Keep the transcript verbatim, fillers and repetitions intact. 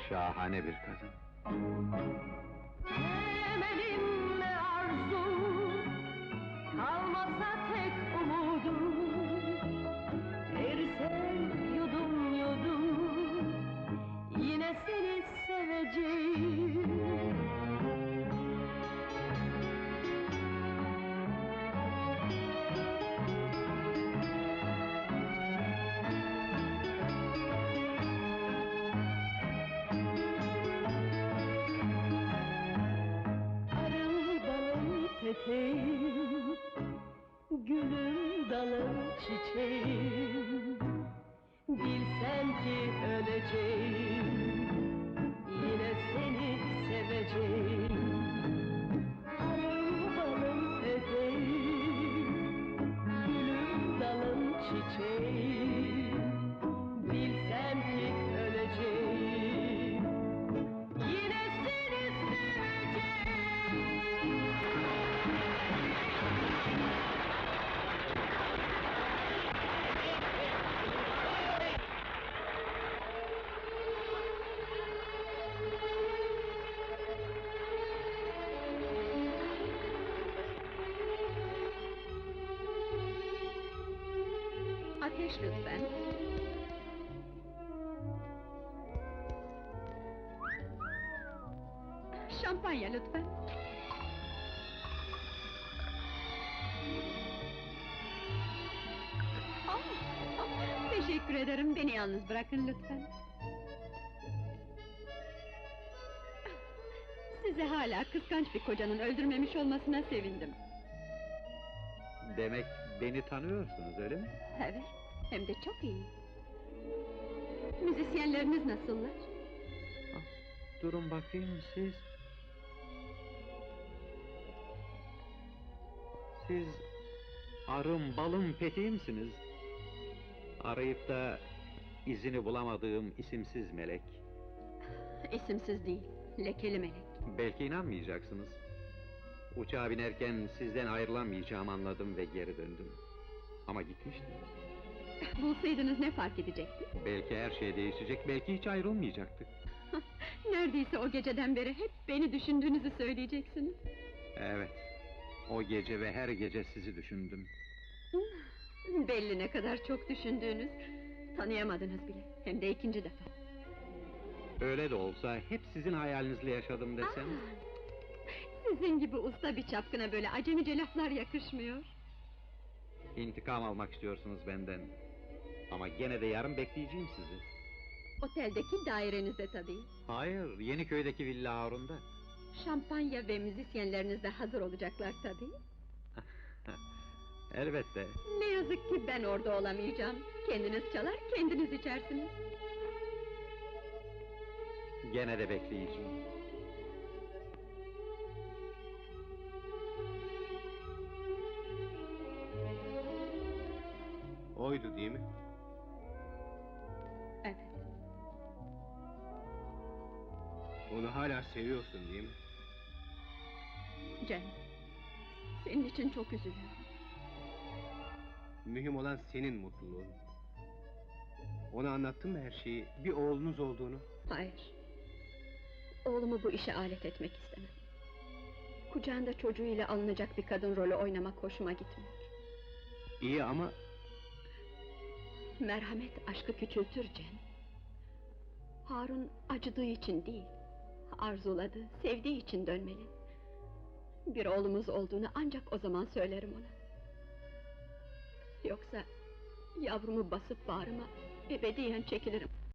Şahane bir kadın. Temelim ne arzu, kalmasa tek umudum. Ersem yudum yudum, yine seni seveceğim. Peteğim, gülüm dalım çiçeğim, bilsem ki öleceğim, yine seni seveceğim. Arım balım peteğim, gülüm dalım çiçeğim, bilsem ki öleceğim, yine seni seveceğim. Ateş lütfen. Şampanya lütfen. Ah, ah, teşekkür ederim, beni yalnız bırakın lütfen. Sizi hala kıskanç bir kocanın öldürmemiş olmasına sevindim. Demek beni tanıyorsunuz, öyle mi? Evet, hem de çok iyi. Müzisyenleriniz nasıllar? Ah, durun bakayım siz... Siz... Arım, balım, peteğimsiniz. Arayıp da... izini bulamadığım isimsiz melek. İsimsiz değil, lekeli melek. Belki inanmayacaksınız. Uçağa binerken sizden ayrılamayacağımı anladım ve geri döndüm. Ama gitmiştim. Bulsaydınız ne fark edecekti? Belki her şey değişecek, belki hiç ayrılmayacaktık. Neredeyse o geceden beri hep beni düşündüğünüzü söyleyeceksiniz. Evet, o gece ve her gece sizi düşündüm. Belli ne kadar çok düşündüğünüz. Tanıyamadınız bile, hem de ikinci defa. Öyle de olsa hep sizin hayalinizle yaşadım desem... Aa, sizin gibi usta bir çapkına böyle acemice laflar yakışmıyor. İntikam almak istiyorsunuz benden. Ama gene de yarın bekleyeceğim sizi. Oteldeki dairenizde tabii. Hayır, Yeniköy'deki Villa Harun'da. Şampanya ve müzisyenleriniz de hazır olacaklar tabii. Elbette. Ne yazık ki ben orada olamayacağım. Kendiniz çalar, kendiniz içersiniz. Gene de bekleyeceğim. Oydu değil mi? Evet. Onu hala seviyorsun değil mi? Cem, senin için çok üzülüyorum. Mühim olan senin mutluluğun. Ona anlattın mı her şeyi, bir oğlunuz olduğunu? Hayır. Oğlumu bu işe alet etmek istemem. Kucağında çocuğuyla alınacak bir kadın rolü oynamak hoşuma gitmiyor. İyi ama... Merhamet aşkı küçültür Cem. Harun acıdığı için değil, arzuladığı, sevdiği için dönmeli. Bir oğlumuz olduğunu ancak o zaman söylerim ona. Yoksa yavrumu basıp bağrıma ebediyen çekilirim.